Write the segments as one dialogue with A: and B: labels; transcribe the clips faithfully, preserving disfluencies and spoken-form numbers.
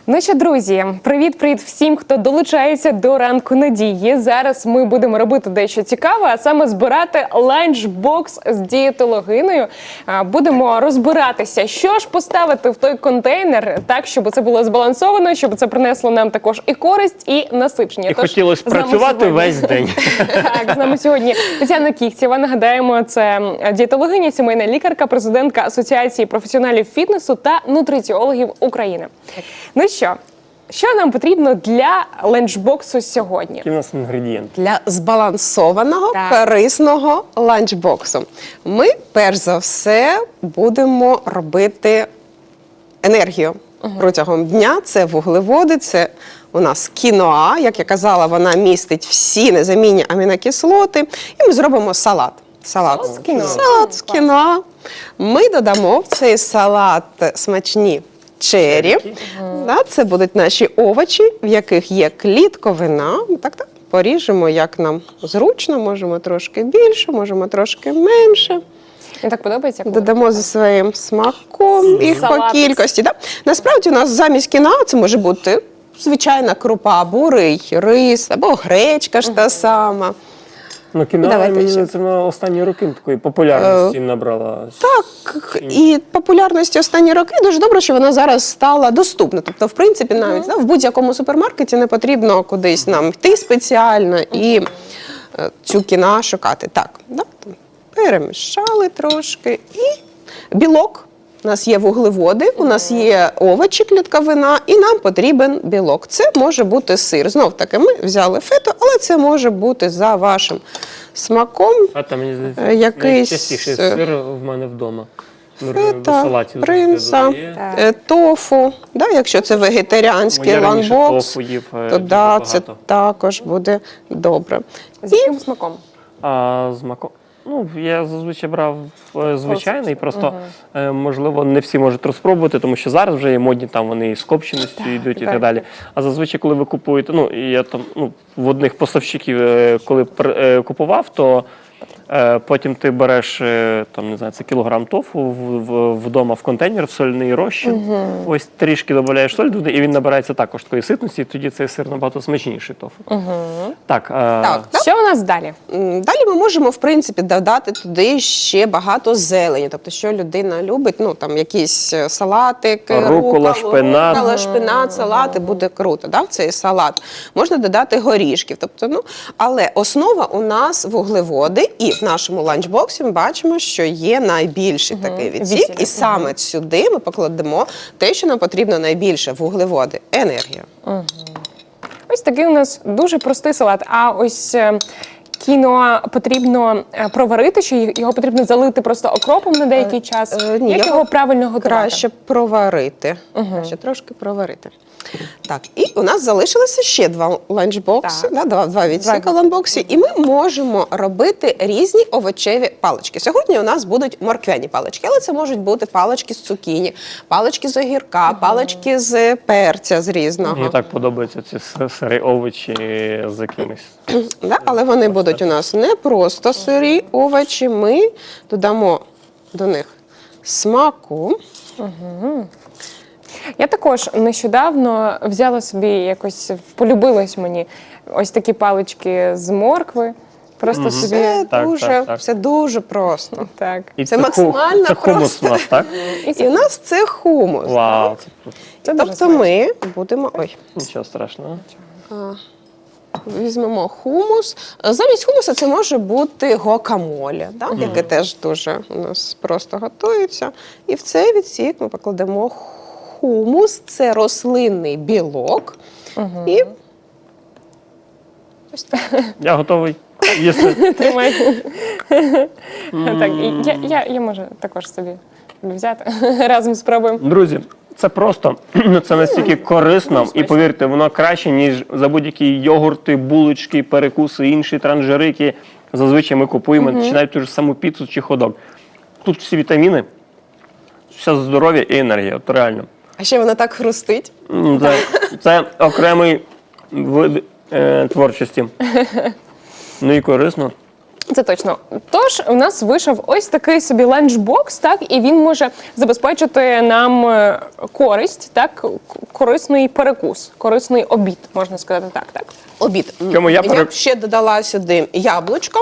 A: Ну що, друзі, привіт-привіт всім, хто долучається до ранку надії. Зараз ми будемо робити дещо цікаве, а саме збирати ланчбокс з дієтологиною. Будемо розбиратися, що ж поставити в той контейнер так, щоб це було збалансовано, щоб це принесло нам також і користь, і насичення.
B: І Тож, хотілося працювати весь день.
A: Так, з нами сьогодні Тетяна Кіхтєва. Нагадаємо, це дієтологиня, сімейна лікарка, президентка Асоціації професіоналів фітнесу та нутриціологів України. Ну що, що нам потрібно для ланчбоксу сьогодні?
B: Які у нас інгредієнти?
C: Для збалансованого,
A: Так.
C: корисного ланчбоксу ми, перш за все, будемо робити енергію угу. протягом дня. Це вуглеводи, це у нас кіноа. Як я казала, вона містить всі незамінні амінокислоти. І ми зробимо салат. Салат,
A: Салат з кіноа.
C: Салат з кіноа. Ми додамо в цей салат смачні чері. Угу. Да, це будуть наші овочі, в яких є клітковина. Так, так. Поріжемо, як нам зручно, можемо трошки більше, можемо трошки менше.
A: Мені так подобається. Коли
C: Додамо зі своїм смаком, їх по кількості. Да? Насправді у нас замість кіноа це може бути звичайна крупа, бурий, рис або гречка ж та сама.
B: Ну, кіноа, мені це на останні роки такої популярності е, набрала.
C: Так, і популярності останні роки дуже добре, що вона зараз стала доступна. Тобто, в принципі, навіть mm. да, в будь-якому супермаркеті не потрібно кудись нам йти спеціально і е, цю кіноа шукати. Так, да, перемішали трошки. І білок. У нас є вуглеводи, у нас є овочі, клітковина, і нам потрібен білок. Це може бути сир. Знов таки, ми взяли фето, але це може бути за вашим смаком.
B: А там, мені здається,
C: якийсь...
B: найчастіший сир в мене вдома.
C: Фета, принца, тофу. Да, якщо це вегетаріанський ланчбокс, то да, це також буде добре.
A: З яким смаком?
B: А, з маком? Ну, я зазвичай брав звичайний, просто, угу. можливо, не всі можуть розпробувати, тому що зараз вже є модні, там вони з копченістю йдуть і так, так далі. А зазвичай, коли ви купуєте, ну, я там, ну, в одних поставщиків, коли купував, то е, потім ти береш, там, не знаю, це кілограм тофу в, в, вдома в контейнер, в сольний розчин, угу. ось трішки додаєш соль туди, і він набирається також такої ситності, і тоді цей сир набагато смачніший тофу.
A: Угу.
B: Так, е,
C: так, так.
A: Що у нас далі?
C: Далі ми можемо, в принципі, додати туди ще багато зелені. Тобто, що людина любить, ну, там, якісь салатики,
B: рукола, шпинат.
C: Рукола, шпинат, салати, буде круто, да, в цей салат. Можна додати горішків. Тобто, ну, але основа у нас вуглеводи, і в нашому ланчбоксі ми бачимо, що є найбільший угу. такий відсік, Відсік. і саме угу. сюди ми покладемо те, що нам потрібно найбільше – вуглеводи, енергія.
A: Угу. Ось такий у нас дуже простий салат. А ось кіноа потрібно проварити, чи його потрібно залити просто окропом на деякий час?
C: Е, ні,
A: Як його правильно готувати?
C: Краще проварити. Угу. Краще трошки проварити. Так, і у нас залишилося ще два ланчбокси, да, два, два відсіка ланчбоксі, і ми можемо робити різні овочеві палички. Сьогодні у нас будуть морквяні палички, але це можуть бути палички з цукіні, палички з огірка, палички з перця з різного.
B: Мені так подобаються ці сирі овочі з якимись.
C: Да, але вони будуть у нас не просто сирі овочі, ми додамо до них смаку.
A: Угу. Я також нещодавно взяла собі, якось полюбилось мені ось такі палички з моркви. Просто mm-hmm. собі
C: все,
B: так,
C: дуже,
B: так, так.
C: все дуже просто.
A: Так.
B: І
C: це,
B: це
C: максимально
B: це
C: просто.
B: хумус у нас, так?
C: І, це... І у нас це хумус.
B: Вау, це...
C: Це тобто ми будемо... Ой.
B: Нічого страшного.
C: А, візьмемо хумус. Замість хумуса це може бути гуакамоле, да? mm-hmm. яке теж дуже у нас просто готується. І в цей відсік ми покладемо хумус, це рослинний білок. Угу. І ось так.
B: Я готовий. Їсти.
A: Тримай. Так, я, я, я можу також собі взяти. Разом спробуємо.
B: Друзі, це просто, це настільки корисно, і повірте, воно краще, ніж за будь-які йогурти, булочки, перекуси, інші транжири, які зазвичай ми купуємо, угу. чи навіть ту ж саму піцу чи ходок. Тут всі вітаміни, все здоров'я і енергія, от реально.
C: А ще вона так хрустить.
B: Це, це окремий вид е, творчості. Ну і корисно.
A: Це точно. Тож у нас вийшов ось такий собі ланчбокс, так, і він може забезпечити нам е, користь, так, к- корисний перекус, корисний обід, можна сказати так, так.
C: Обід.
B: Чому я
C: Я
B: пере-
C: б ще додала сюди яблучко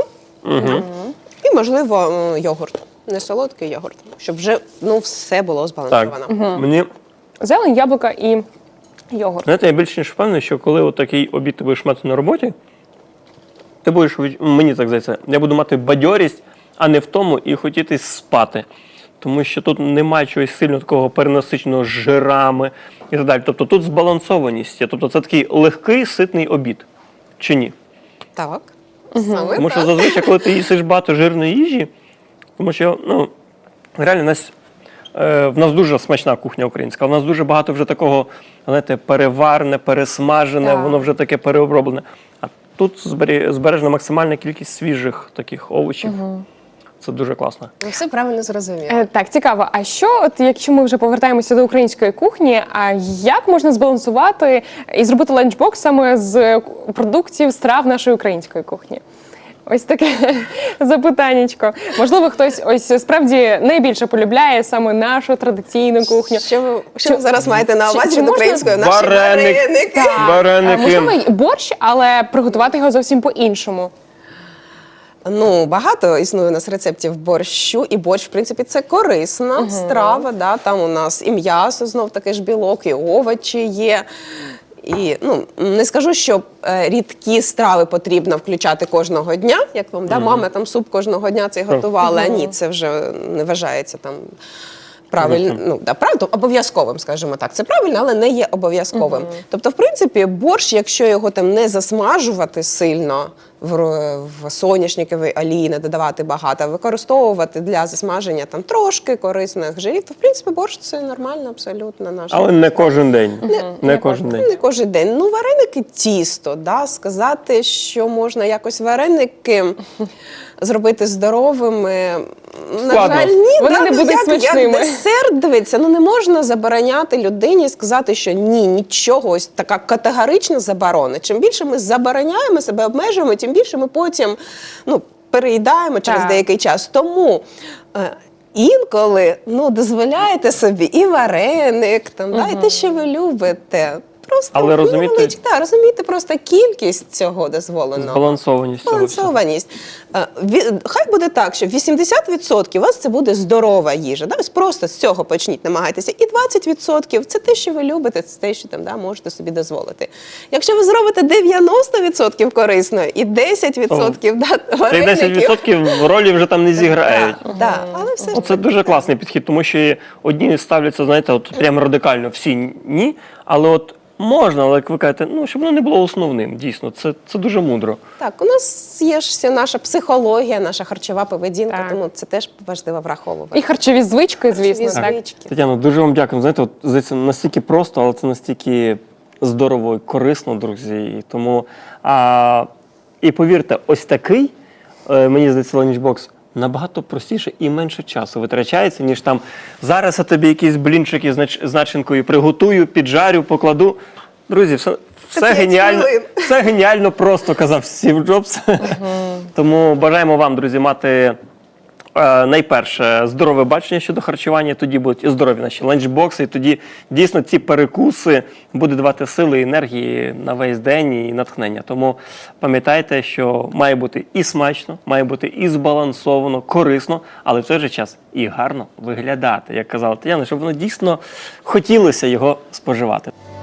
C: і, можливо, м, йогурт. Не солодкий йогурт, щоб вже ну, все було
B: Так,
C: збалансовано.
B: мені,
A: Зелень, яблука і йогурт.
B: знаєте, я більш ніж впевнений, що коли от такий обід ти будеш мати на роботі, ти будеш, від- мені так здається, я буду мати бадьорість, а не в тому і хотіти спати. Тому що тут немає чогось сильно такого перенасиченого жирами і так далі. Тобто тут збалансованість є. Тобто це такий легкий, ситний обід. Чи ні?
C: Так. Саме
B: Тому що
C: так.
B: зазвичай, коли ти їсиш багато жирної їжі, тому що ну, реально в нас, е, в нас дуже смачна кухня українська, в нас дуже багато вже такого, знаєте, переварене, пересмажене,
A: Так.
B: воно вже таке переоброблене. А тут збері- збережена максимальна кількість свіжих таких овочів. Це дуже класно.
C: Ви все правильно зрозуміли.
A: Е, Так, цікаво. А що, от якщо ми вже повертаємося до української кухні, а як можна збалансувати і зробити ланчбокс саме з продуктів страв нашої української кухні? Ось таке запитаннячко. Можливо, хтось ось справді найбільше полюбляє саме нашу традиційну кухню.
C: Що ви, що
A: Чи-
C: ви зараз маєте на
A: чи-
C: увазі
A: чи
C: від
A: можна-
C: української? Наші
B: Вареник.
C: вареники.
A: А,
B: Вареники.
A: можливо, й борщ, але приготувати його зовсім по-іншому.
C: Ну, багато існує у нас рецептів борщу, і борщ, в принципі, це корисна страва. Да? Там у нас і м'ясо, знов таки ж білок, і овочі є. І ну не скажу, що е, рідкі страви потрібно включати кожного дня, як вам да, мама там суп кожного дня цей готувала. А ні, це вже не вважається там. Правильно, ну да, правильно, обов'язковим, скажімо так. Це правильно, але не є обов'язковим. Тобто, в принципі, борщ, якщо його там не засмажувати сильно в, ро- в соняшниковій олії, не додавати багато, а використовувати для засмаження там трошки корисних жирів, то в принципі борщ це нормально, абсолютно наш.
B: Але не кожен день. Не,
A: не
B: кожен день.
C: Не кожен день. Ну, вареники тісто, да? Сказати, що можна якось вареники зробити здоровими.
B: Складно.
C: На жаль, ні,
A: Вони
C: да,
A: не
C: ну,
A: будуть
C: як,
A: смачними.
C: Як десерт, дивиться, ну не можна забороняти людині і сказати, що ні, нічого, ось така категорична заборона. Чим більше ми забороняємо себе, обмежуємо, тим більше ми потім ну, переїдаємо через
A: Так.
C: деякий час. Тому е, інколи ну, дозволяєте собі і вареник, там, да, і те, що ви любите. Просто
B: Але розумієте-
C: невеличке, да, розумієте просто кількість цього дозволеного.
B: Збалансованість цього всього.
C: Балансованість. Е, ві- Хай буде так, що вісімдесят відсотків у вас це буде здорова їжа. Да? Ось просто з цього почніть, намагайтеся. І двадцять відсотків це те, що ви любите, це те, що там, да, можете собі дозволити. Якщо ви зробите дев'яносто відсотків корисно і десять відсотків да,
B: Цей
C: вареників,
B: десять відсотків ролі вже там не зіграють.
C: да, да, але все ж
B: Це дуже класний підхід, тому що одні ставляться, знаєте, от прямо радикально, всі ні, але от можна, але як ви кажете, ну, щоб воно не було основним, дійсно, це, це дуже мудро.
C: так, у нас є ж вся наша психологія, наша харчова поведінка,
A: Так.
C: тому це теж важливо враховувати.
A: І харчові звички, звісно,
C: Харчові
A: так.
C: звички.
B: Тетяно, дуже вам дякую. Знаєте, от, здається, настільки просто, але це настільки здорово і корисно, друзі. І тому, а, і повірте, ось такий, е, мені здається, ланчбокс, набагато простіше і менше часу витрачається, ніж там зараз я тобі якісь блінчики з нач- з начинкою приготую, піджарю, покладу. Друзі, все, все
C: п'ять
B: геніально,
C: хвилин.
B: все геніально просто, казав Стів Джобс. Тому бажаємо вам, друзі, мати е, найперше здорове бачення щодо харчування, тоді будуть і здорові наші ланчбокси, і тоді дійсно ці перекуси будуть давати сили і енергії на весь день і натхнення. Тому пам'ятайте, що має бути і смачно, має бути і збалансовано, корисно, але в той же час і гарно виглядати, як казала Тетяна, щоб воно дійсно хотілося його споживати.